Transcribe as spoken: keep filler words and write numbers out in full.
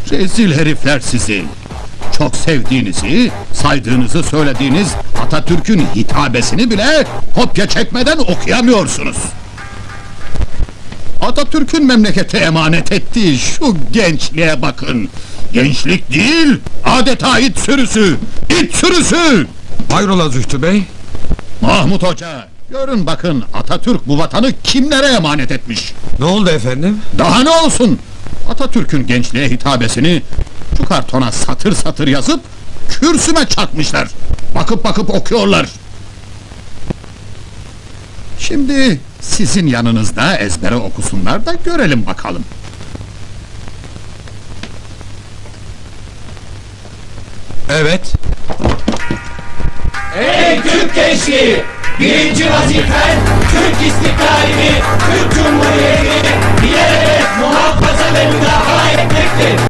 Rezil herifler sizi! Çok sevdiğinizi, saydığınızı söylediğiniz Atatürk'ün hitabesini bile kopya çekmeden okuyamıyorsunuz. Atatürk'ün memlekete emanet ettiği şu gençliğe bakın! Gençlik değil, adeta it sürüsü! İt sürüsü! Hayrola Zühtü Bey? Mahmut Hoca, görün bakın Atatürk bu vatanı kimlere emanet etmiş? Ne oldu efendim? Daha ne olsun? Atatürk'ün gençliğe hitabesini şu kartona satır satır yazıp kürsüme çakmışlar. Bakıp bakıp okuyorlar. Şimdi sizin yanınızda ezbere okusunlar da görelim bakalım. Evet. Ey Türk gençliği! Birinci vazifen Türk istiklalini, Türk Cumhuriyeti'ni bilerek muhafaza ve müdafaa etmektir.